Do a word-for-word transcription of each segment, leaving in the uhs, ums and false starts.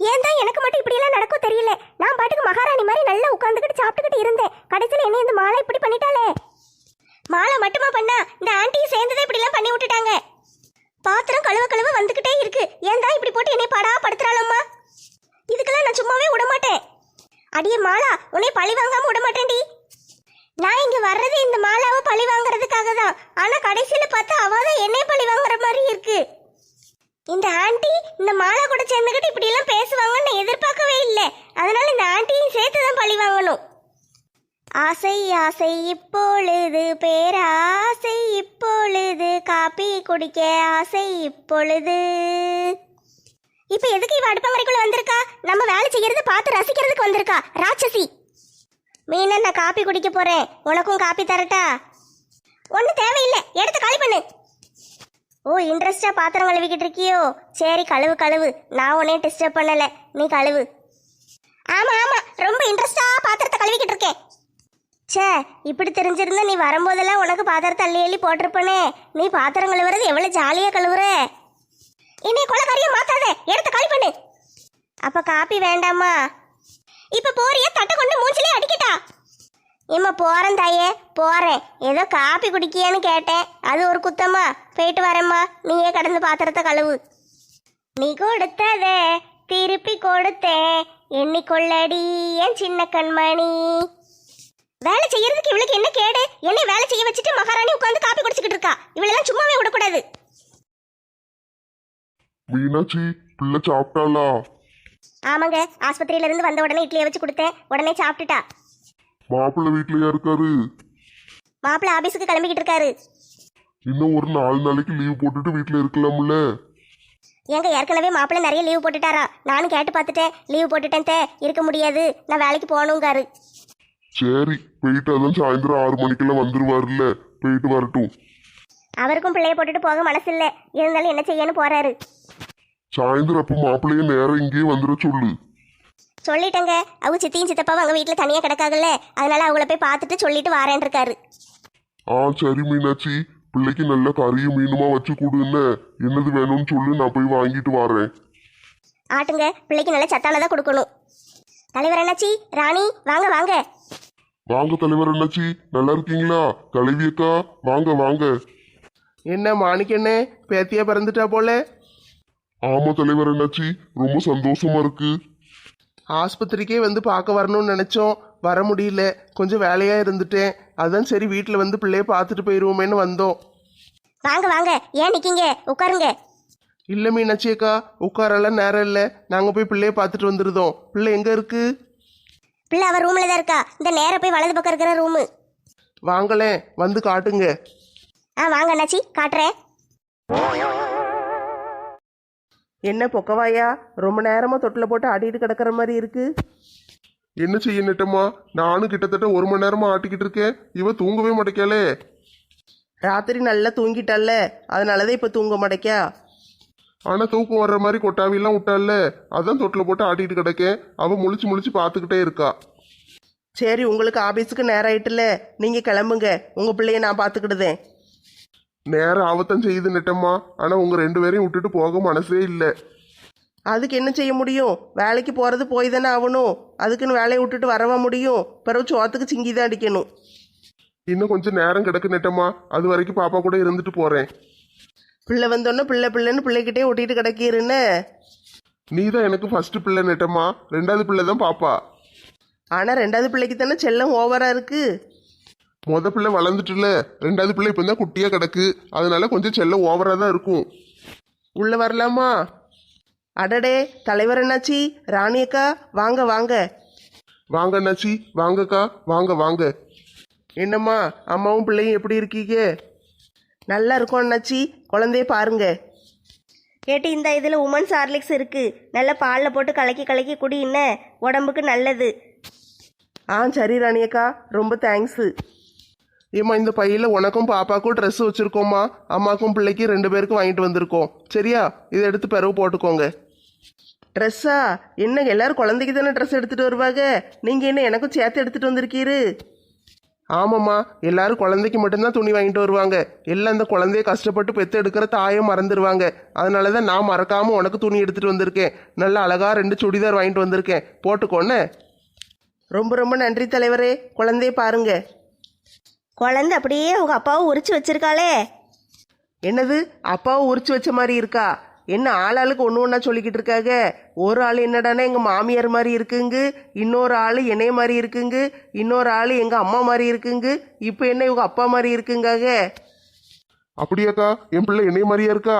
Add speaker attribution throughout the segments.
Speaker 1: ஏன் தான் எனக்கு மட்டும் இப்படி எல்லாம் நடக்கும் தெரியல. நான் பாட்டுக்கு மகாராணி மாதிரி நல்லா உட்காந்துக்கிட்டு சாப்பிட்டுக்கிட்டு இருந்தேன். கடைசியில் என்ன இந்த மாலை இப்படி பண்ணிட்டாளே. மாலை மட்டுமா பண்ணா, இந்த ஆண்டியும் சேர்ந்ததே இப்படி எல்லாம் பண்ணி விட்டுட்டாங்க. பாத்திரம் கழுவ கழுவ வந்துகிட்டே இருக்கு. ஏன் தான் இப்படி போட்டு என்னை பாடா படுத்துறாளம்மா. இதுக்கெல்லாம் நான் சும்மாவே விட மாட்டேன். அடியே மாலா, உன்னை பழி வாங்காம விட மாட்டேன்டி. நான் இங்க வர்றது இந்த மாலாவை பழி வாங்குறதுக்காக தான். ஆனா கடைசியில பார்த்தா அவதான் என்னை பழி வாங்குற மாதிரி இருக்கு. இந்த ஆண்டி இந்த மாலா கூட சேர்ந்துக்கிட்டு இப்படி எல்லாம் பேசுவாங்கன்னு நான் எதிர்பார்க்கவே இல்லை. அதனால இந்த ஆண்டியும் சேர்த்து தான் பழி வாங்கணும். ஆசை ஆசை இப்பொழுது பேராசை இப்பொழுது காப்பி குடிக்க ஆசை இப்பொழுது. இப்ப எதுக்கு இவ அடுப்பங்கரைக்குள்ள வந்திருக்கா? நம்ம வேலை செய்யறத பார்த்து ரசிக்கிறதுக்கு வந்திருக்கா ராட்சசி. மீனா, நான் காப்பி குடிக்க போறேன். உனக்கும் காப்பி தரட்டா? ஒன்னும் தேவையில்லை, எடுத்து காலி பண்ணு. ஓ, இன்ட்ரெஸ்டா பாத்திரம் கழுவிக்கிட்டு இருக்கியோ? சரி, கழுவு கழுவு. நான் உன்னையும் டிஸ்டர்ப் பண்ணல, நீ கழுவு. ஆமா ஆமா, ரொம்ப இன்ட்ரெஸ்டா பாத்திரத்தை கழுவிக்கிட்டு இருக்கேன். சே, இப்படி தெரிஞ்சிருந்தா நீ வரும்போதெல்லாம் உனக்கு பாத்திரத்தை அள்ளி அள்ளி போட்டிருப்பனே. நீ பாத்திரம் கழுவுறது எவ்வளவு ஜாலியா கழுவுற. என்னை கொலைக்காரியா மாத்தாத, எடுத்து காலி பண்ணு. அப்ப காப்பி வேண்டாமா? இப்ப போறியா? தட்டை கொண்டு மூஞ்சிலே அடிக்கட்டா? ஏம்மா, போறேன் தாயே, போறேன். ஏதோ காப்பி குடிக்கியான்னு கேட்டேன், அது ஒரு குத்தம்மா. போயிட்டு வரேம்மா, நீயே கடந்து பாத்திரத்தை கழுவு. நீ கொடுத்ததே திருப்பி கொடுத்தேன், எண்ணிக்கொள்ளடி என் சின்ன கண்மணி. வேலை செய்யறதுக்கு இவளுக்கு என்ன கேடு? என்னை வேலை செய்ய வச்சுட்டு மகாராணி உட்காந்து காப்பி குடிச்சுக்கிட்டு இருக்கா. இவளெல்லாம் சும்மாவே விடக்கூடாது.
Speaker 2: மீனாட்சி, பிள்ளை சாப்பிட்டாளா?
Speaker 1: ஆமாங்க, ஆஸ்பத்திரியில இருந்து வந்த உடனே இட்லியை வச்சு கொடுத்தேன், உடனே சாப்பிட்டுட்டா.
Speaker 2: மாப்பிள்ளை வீட்லயா இருக்காரு?
Speaker 1: மாப்பிள்ளை ஆபீஸுக்கு கிளம்பிக்கிட்டு இருக்காரு.
Speaker 2: இன்னும் ஒரு நாலு நாளைக்கு லீவ் போட்டுட்டு வீட்டுல இருக்கலாம்ல?
Speaker 1: ஏங்க, ஏற்கனவே மாப்பிள்ளை நிறைய லீவ் போட்டுட்டாரா? நானும் கேட்டு பார்த்துட்டேன், லீவ் போட்டுட்டேன் தே, இருக்க முடியாது, நான் வேலைக்கு போகணுங்காரு.
Speaker 2: சரி, போயிட்டு அதான் சாயந்தரம் ஆறு மணிக்கெல்லாம் வந்துருவாருல்ல, போயிட்டு வரட்டும்.
Speaker 1: அவருக்கும் பிள்ளைய போட்டுட்டு போக மனசு இல்லை, இருந்தாலும் என்ன செய்யன்னு போறாரு.
Speaker 2: சாயந்தரம் அப்ப மாப்பிள்ளைய நேரம் இங்கேயே வந்துட சொல்லு.
Speaker 1: சொல்லிட்டேங்க, அவங்க சித்தியும் சித்தப்பாவும் அவங்க வீட்டில் தனியாக கிடக்காங்கல்ல, அதனால அவங்கள போய் பார்த்துட்டு சொல்லிட்டு வாரேன் இருக்காரு.
Speaker 2: ஆ சரி மீனாட்சி, பிள்ளைக்கு நல்ல கறியும் மீனுமா வச்சு கொடுன்னு, என்னது வேணும்னு சொல்லு, நான் போய் வாங்கிட்டு வரேன்.
Speaker 1: ஆட்டுங்க, பிள்ளைக்கு நல்ல சத்தானதாக கொடுக்கணும். தலைவர் அண்ணாச்சி, ராணி, வாங்க வாங்க.
Speaker 2: வாங்க தலைவர் அண்ணாச்சி, நல்லா இருக்கீங்களா? கலைவி அக்கா, வாங்க வாங்க.
Speaker 3: என்ன மாணிக்கண்ணே, பேத்தியா பிறந்துட்டா போல?
Speaker 2: ஆமா தலைவர் அண்ணாச்சி, ரொம்ப சந்தோஷமா இருக்கு.
Speaker 3: ஆஸ்பத்திரிக்கே வந்து பார்க்க வரணும்னு நினைச்சோம், வர முடியல, கொஞ்சம் வேலையா இருந்துட்டேன். அதான் சரி வீட்டில் வந்து பிள்ளைய பார்த்துட்டு போயிடுவோமேன்னு வந்தோம்.
Speaker 1: வாங்க வாங்க, ஏன் நிக்கீங்க? உட்காருங்க.
Speaker 3: இல்லை மீனாட்சி அக்கா, உட்காரெல்லாம் நேரம் இல்லை, நாங்கள் போய் பிள்ளைய பார்த்துட்டு வந்துருதோம். பிள்ளை எங்கே இருக்கு?
Speaker 1: பிள்ளை அவர் ரூம்ல தான் இருக்கா. இந்த நேரம் போய் வலது பக்கம் இருக்கிற ரூமு.
Speaker 3: வாங்களேன், வந்து காட்டுங்க.
Speaker 1: ஆ வாங்க அண்ணாச்சி, காட்டுறேன்.
Speaker 3: என்ன பொக்கவாயா, ரொம்ப நேரமா தொட்டில் போட்டு ஆடிட்டு கிடக்கிற மாதிரி இருக்கு.
Speaker 2: என்ன செய்ய நெட்டம்மா, நானும் கிட்டத்தட்ட ஒரு மணி நேரமா ஆட்டிக்கிட்டு இருக்கேன், இவ தூங்கவே மாட்டேக்காளே.
Speaker 3: ராத்திரி நல்லா தூங்கிட்டால, அதனாலதான் இப்போ தூங்க மாட்டேக்கா.
Speaker 2: ஆனா தூக்கம் வர்ற மாதிரி கொட்டாவிலாம் விட்டால, அதான் தொட்டில் போட்டு ஆட்டிட்டு கிடக்கேன். அவ முழிச்சு முழிச்சு பார்த்துக்கிட்டே இருக்கா.
Speaker 3: சரி, உங்களுக்கு ஆபீஸுக்கு நேரம் ஆயிட்டுல, நீங்க கிளம்புங்க, உங்க பிள்ளைய நான் பார்த்துக்கிடுதேன்.
Speaker 2: நேரம் ஆபத்தம் செய்யுது நெட்டம்மா, ஆனா உங்க ரெண்டு பேரையும் விட்டுட்டு போக மனசே இல்லை.
Speaker 3: அதுக்கு என்ன செய்ய முடியும்? வேலைக்கு போறது போய் தானே ஆகணும். அதுக்குன்னு வேலையை விட்டுட்டு வரவா முடியும்? பிறகு சோத்துக்கு சிங்கி தான் அடிக்கணும்.
Speaker 2: இன்னும் கொஞ்சம் நேரம் கிடக்கு நெட்டம்மா, அது வரைக்கும் பாப்பா கூட இருந்துட்டு போறேன்.
Speaker 3: பிள்ளை வந்தோடனே பிள்ளை பிள்ளைன்னு பிள்ளைகிட்டே ஒட்டிட்டு கிடக்கிறன்னு.
Speaker 2: நீ தான் எனக்கு ஃபர்ஸ்ட் பிள்ளை நெட்டம்மா, ரெண்டாவது பிள்ளை தான் பாப்பா.
Speaker 3: ஆனா ரெண்டாவது பிள்ளைக்கு தானே செல்லம் ஓவரா இருக்கு.
Speaker 2: முத பிள்ளை வளர்ந்துட்டுல, ரெண்டாவது பிள்ளை இப்போ தான் குட்டியா கிடக்கு, அதனால கொஞ்சம் செல்லம் ஓவரா தான் இருக்கும்.
Speaker 3: உள்ள வரலாமா? அடடே, தலைவர் என்னாச்சி, ராணி அக்கா, வாங்க வாங்க.
Speaker 2: வாங்க அண்ணாச்சி, வாங்கக்கா, வாங்க வாங்க.
Speaker 3: என்னம்மா, அம்மாவும் பிள்ளையும் எப்படி இருக்கீங்க? நல்லா இருக்கும் அண்ணாச்சி, குழந்தைய பாருங்க.
Speaker 1: கேட்டு இந்த இதில் உமன்ஸ் ஹார்லிக்ஸ் இருக்கு, நல்ல பாலில் போட்டு கலக்கி கலக்கி குடி, என்ன உடம்புக்கு நல்லது.
Speaker 3: ஆ சரி ராணியக்கா, ரொம்ப தேங்க்ஸு.
Speaker 2: ஏம்மா, இந்த பையில உனக்கும் பாப்பாக்கும் ட்ரெஸ் வச்சிருக்கோம்மா, அம்மாக்கும் பிள்ளைக்கு ரெண்டு பேருக்கும் வாங்கிட்டு வந்திருக்கோம், சரியா? இதை எடுத்து பிறகு போட்டுக்கோங்க.
Speaker 3: ட்ரெஸ்ஸா? என்ன எல்லாரும் குழந்தைக்கு தானே ட்ரெஸ் எடுத்துகிட்டு வருவாங்க, நீங்கள் என்ன எனக்கும் சேர்த்து எடுத்துகிட்டு வந்திருக்கீரு?
Speaker 2: ஆமாம்மா, எல்லாரும் குழந்தைக்கு மட்டும்தான் துணி வாங்கிட்டு வருவாங்க. எல்லாம் அந்த குழந்தைய கஷ்டப்பட்டு பெத்து எடுக்கிற தாயை மறந்துடுவாங்க. அதனால தான் நான் மறக்காம உனக்கு துணி எடுத்துட்டு வந்திருக்கேன். நல்ல அழகா ரெண்டு சுடிதார் வாங்கிட்டு வந்திருக்கேன், போட்டுக்கோன்னு.
Speaker 3: ரொம்ப ரொம்ப நன்றி தலைவரே. குழந்தைய பாருங்க.
Speaker 1: குழந்தை அப்படியே உங்க அப்பாவும் உரிச்சு வச்சிருக்காளே.
Speaker 3: என்னது, அப்பாவை உரிச்சு வச்ச மாதிரி இருக்கா? என்ன ஆளாளுக்கு ஒன்று ஒன்றா சொல்லிக்கிட்டு இருக்காங்க. ஒரு ஆள் என்னடானா எங்கள் மாமியார் மாதிரி இருக்குங்க, இன்னொரு ஆள் என்னைய மாதிரி இருக்குங்க, இன்னொரு ஆள் எங்கள் அம்மா மாதிரி இருக்குங்க, இப்போ என்ன இவங்க அப்பா மாதிரி இருக்குங்காக.
Speaker 2: அப்படியாக்கா? என் பிள்ளை என்னைய மாதிரியா இருக்கா?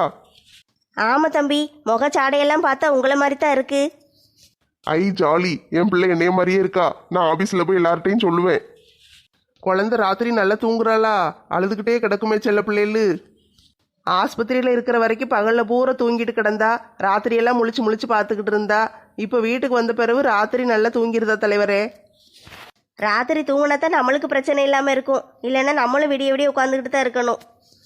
Speaker 1: ஆமா தம்பி, முகச்சாடையெல்லாம் பார்த்தா உங்களை மாதிரி தான் இருக்கு.
Speaker 2: ஐ ஜாலி, என் பிள்ளை என்னைய மாதிரியே இருக்கா. நான் ஆபீஸ்ல போய் எல்லார்ட்டையும் சொல்லுவேன்.
Speaker 3: குழந்தை ராத்திரி நல்லா தூங்குறாளா? அழுதுகிட்டே கிடக்குமே செல்ல பிள்ளைகளு. ஆஸ்பத்திரியில் இருக்கிற வரைக்கும் பகலில் பூரா தூங்கிட்டு கிடந்தா, ராத்திரியெல்லாம் முழிச்சு முழிச்சு பார்த்துக்கிட்டு இருந்தா. இப்போ வீட்டுக்கு வந்த பிறகு ராத்திரி நல்லா தூங்கிருதா தலைவரே?
Speaker 1: ராத்திரி தூங்கினா தான் நம்மளுக்கு பிரச்சனை இல்லாமல் இருக்கும், இல்லைன்னா நம்மளும் விடிய விடிய உட்காந்துக்கிட்டு தான் இருக்கணும்.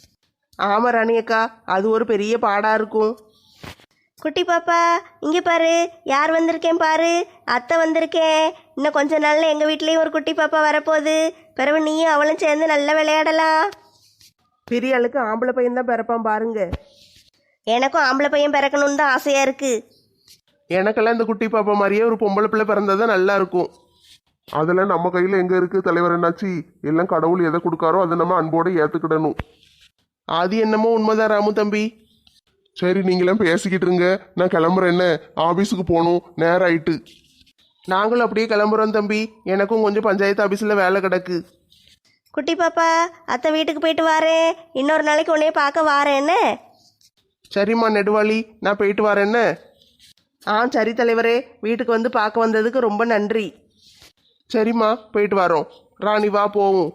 Speaker 3: ஆமாம் ராணியக்கா, அது ஒரு பெரிய பாடாக இருக்கும்.
Speaker 1: குட்டி பாப்பா, இங்கே பாரு, யார் வந்திருக்கேன் பாரு, அத்தை வந்திருக்கேன். இன்னும் கொஞ்ச நாள்ல எங்கள் வீட்லேயும் ஒரு குட்டி பாப்பா வரப்போகுது. பிறகு நீயும் அவளும் சேர்ந்து நல்லா விளையாடலாம்.
Speaker 3: பெரிய ஆளுக்கு ஆம்பளை பையன் தான் பிறப்பான் பாருங்க.
Speaker 1: எனக்கும் ஆம்பளை பையன் பிறக்கணும்னு தான் ஆசையாக இருக்குது.
Speaker 2: எனக்கெல்லாம் இந்த குட்டி பாப்பா மாதிரியே ஒரு பொம்பளை பிள்ளை பிறந்தா நல்லா இருக்கும். அதெல்லாம் நம்ம கையில் எங்கே இருக்குது தலைவர் என்னாச்சு? எல்லாம் கடவுள் எதை கொடுக்காரோ அதை நம்ம அன்போடு ஏற்றுக்கிடணும்.
Speaker 3: அது என்னமோ உண்மைதான் ராமு தம்பி.
Speaker 2: சரி, நீங்களாம் பேசிக்கிட்டு இருங்க, நான் கிளம்புறேன். என்ன, ஆபீஸுக்கு போகணும், நேரம் ஆயிட்டு.
Speaker 3: நாங்களும் அப்படியே கிளம்புறோம் தம்பி. எனக்கும் கொஞ்சம் பஞ்சாயத்து ஆஃபீஸில் வேலை கிடக்கு.
Speaker 1: குட்டி பாப்பா, அத்தை வீட்டுக்கு போயிட்டு வாரேன். இன்னொரு நாளைக்கு உன்னைய பார்க்க வாரேன் என்ன?
Speaker 3: சரிம்மா நெடுவாளி, நான் போயிட்டு வரேன்னு. ஆ சரி தலைவரே, வீட்டுக்கு வந்து பார்க்க வந்ததுக்கு ரொம்ப நன்றி. சரிம்மா, போயிட்டு வரோம். ராணி வா போவோம்.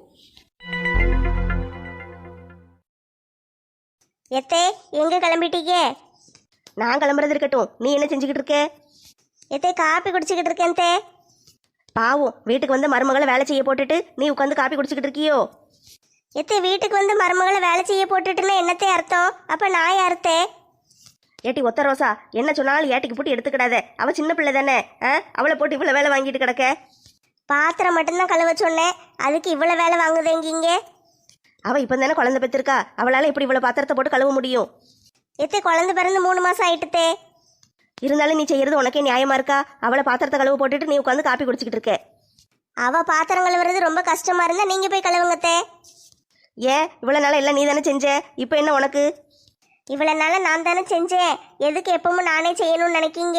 Speaker 1: எத்தே, எங்கே கிளம்பிட்டீங்க? நான் கிளம்புறது இருக்கட்டும், நீ என்ன செஞ்சுக்கிட்டு இருக்க? எத்தே, காப்பி குடிச்சிக்கிட்டு இருக்கேன் தே. பாவம், வீட்டுக்கு வந்து மருமகளை வேலை செய்ய போட்டுட்டு நீ உட்காந்து காப்பி குடிச்சிக்கிட்டு இருக்கியோ? எத்தே, வீட்டுக்கு வந்து மருமகளை வேலை செய்ய போட்டுட்டுன்னா என்னத்தே அர்த்தம்? அப்போ நான் யார்த்தே? ஏட்டி ஒத்த ரோசா, என்ன சொன்னாலும் ஏட்டிக்கு போட்டு எடுத்துக்கிடாத. அவள் சின்ன பிள்ளை தானே, ஆ? அவளை போட்டு இவ்வளோ வேலை வாங்கிட்டு கிடக்க. பாத்திரம் மட்டும்தான் கழுவ சொன்னேன், அதுக்கு இவ்வளோ வேலை வாங்குதேங்கிங்க. அவள் இப்போ தானே குழந்தை பெற்றிருக்கா, அவளால் இப்படி இவ்வளோ பாத்திரத்தை போட்டு கழுவ முடியும்? எத்தே, குழந்தை பிறந்து மூணு மாதம் ஆயிட்டுத்தே. இருந்தாலும் நீ செய்யறது உனக்கே நியாயமா இருக்கா? அவளை பாத்திரத்தை கழுவ போட்டுட்டு நீ உட்காந்து காப்பி குடிச்சிக்கிட்டு இருக்க. அவள் பாத்திரம் கழுவுறது ரொம்ப கஷ்டமா இருந்தா நீங்க போய் கழுவுங்கத்தே. ஏன், இவ்வளவு நாள எல்லாம் நீ தானே செஞ்ச, இப்போ என்ன உனக்கு? இவ்வளவு நாள நான் தானே செஞ்சேன், எதுக்கு எப்பவும் நானே செய்யணும்னு நினைக்கீங்க?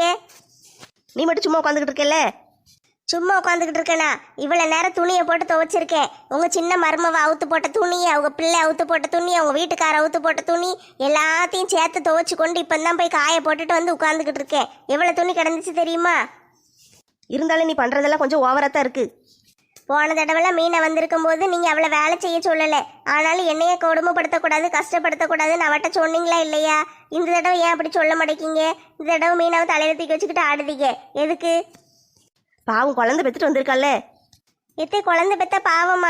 Speaker 1: நீ மட்டும் சும்மா உட்காந்துக்கிட்டு இருக்கல. சும்மா உட்காந்துக்கிட்டு இருக்கேனா? இவ்வளவு நேரம் துணியை போட்டு துவைச்சிருக்கேன். உங்க சின்ன மருமவ அவுத்து போட்ட துணி, அவங்க பிள்ளை அவுத்து போட்ட துணி, அவங்க வீட்டுக்கார அவுத்து போட்ட துணி எல்லாத்தையும் சேர்த்து துவைச்சு கொண்டு இப்பதான் போய் காய போட்டுட்டு வந்து உட்காந்துக்கிட்டு இருக்கேன். எவ்வளவு துணி கிடந்துச்சு தெரியுமா? இருந்தாலும் நீ பண்றதெல்லாம் கொஞ்சம் ஓவரா தான் இருக்கு. போன தடவைலாம் மீனை வந்திருக்கும் போது நீங்க அவளை வேலை செய்ய சொல்லலை, ஆனாலும் என்னையே கொடுமைப்படுத்தக்கூடாது, கஷ்டப்படுத்தக்கூடாதுன்னு அவட்ட சொன்னீங்களா இல்லையா? இந்த தடவை ஏன் அப்படி சொல்ல மாட்டேங்கிங்க? இந்த தடவை மீனாவை தலையில தூக்கி வச்சுக்கிட்டு ஆடுதீங்க, எதுக்கு? பாவம், குழந்தை பெற்றுட்டு வந்திருக்கல்ல. எத்தே, குழந்தை பெத்த பாவமா?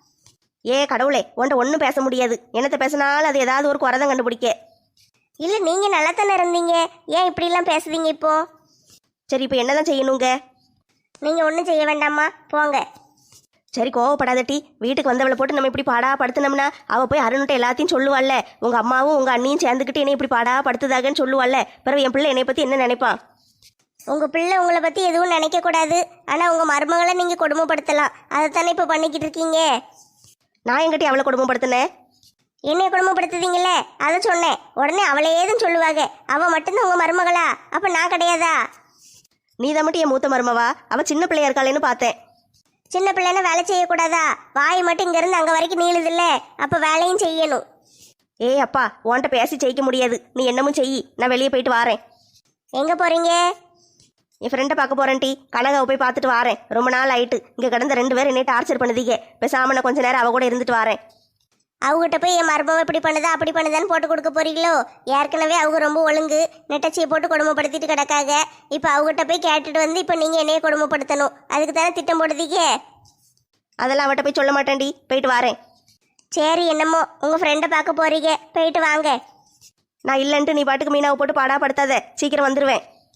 Speaker 1: ஏ கடவுளே, உன்ட்ட ஒன்றும் பேச முடியாது. என்னத்தை பேசினாலும் அது ஏதாவது ஒரு குறைதான் கண்டுபிடிக்க. இல்லை, நீங்கள் நல்லா தானே இருந்தீங்க, ஏன் இப்படிலாம் பேசுதீங்க இப்போ? சரி, இப்போ என்னதான் செய்யணுங்க? நீங்கள் ஒன்றும் செய்ய வேண்டாமா, போங்க. சரி, கோவப்படாதட்டி. வீட்டுக்கு வந்தவளை போட்டு நம்ம இப்படி பாடா படுத்துனோம்னா அவள் போய் அருணுட்ட எல்லாத்தையும் சொல்லுவாள்ல. உங்கள் அம்மாவும் உங்கள் அண்ணியும் சேர்ந்துக்கிட்டு என்னை இப்படி பாடா படுத்துதாகன்னு சொல்லுவாள்ல. பிறகு என் பிள்ளை என்னை பற்றி என்ன நினைப்பான்? உங்கள் பிள்ளை உங்களை பற்றி எதுவும் நினைக்கக்கூடாது, ஆனால் உங்கள் மருமகளை நீங்கள் கொடுமைப்படுத்தலாம். அதைத்தானே இப்போ பண்ணிக்கிட்டு இருக்கீங்க. நான் எங்கிட்ட அவளை கொடுமைப்படுத்தினேன்? என்னைய கொடுமைப்படுத்துதீங்களே, அதை சொன்னேன். உடனே அவளை ஏதுன்னு சொல்லுவாங்க. அவள் மட்டும்தான் உங்கள் மருமகளா? அப்போ நான் கிடையாதா? நீ தான் மட்டும் என் மூத்த மருமவா? அவள் சின்ன பிள்ளையா இருக்காளேன்னு பார்த்தேன். சின்ன பிள்ளைன்னா வேலை செய்யக்கூடாதா? வாய் மட்டும் இங்கேருந்து அங்கே வரைக்கும் நீளுதில்ல, அப்போ வேலையும் செய்யணும். ஏய் அப்பா, உன்கிட்ட பேசி ஜெயிக்க முடியாது. நீ என்னமும் செய், நான் வெளியே போயிட்டு வாரேன். எங்கே போகிறீங்க? என் ஃப்ரெண்டை பார்க்க போகிறேன் டி. கனகாவை போய் பார்த்துட்டு வாரேன். ரொம்ப நாள் ஆயிட்டு இங்கே கிடந்த ரெண்டு பேரும் என்னை டார்ச்சர் பண்ணுதீங்க. பேசாமல் நான் கொஞ்ச நேரம் அவ கூட இருந்துட்டு வாரேன். அவங்ககிட்ட போய் என் மருமவை இப்படி பண்ணுதா அப்படி பண்ணுதான்னு போட்டு கொடுக்க போறீங்களோ? ஏற்கனவே அவங்க ரொம்ப ஒழுங்கு, நெட்டச்சியை போட்டு கொடுமைப்படுத்திட்டு கிடக்காங்க. இப்போ அவங்ககிட்ட போய் கேட்டுட்டு வந்து இப்போ நீங்கள் என்னையே கொடுமைப்படுத்தணும், அதுக்கு தானே திட்டம் போடுதீங்க. அதெல்லாம் அவட்ட போய் சொல்ல மாட்டேன்டி, போயிட்டு வாரேன். சரி, என்னமோ உங்கள் ஃப்ரெண்டை பார்க்க போறீங்க, போயிட்டு வாங்க. நான் இல்லைன்ட்டு நீ பாட்டுக்கு மீனாவை போட்டு பாடா படுத்தாத, சீக்கிரம் வந்துடுவேன்.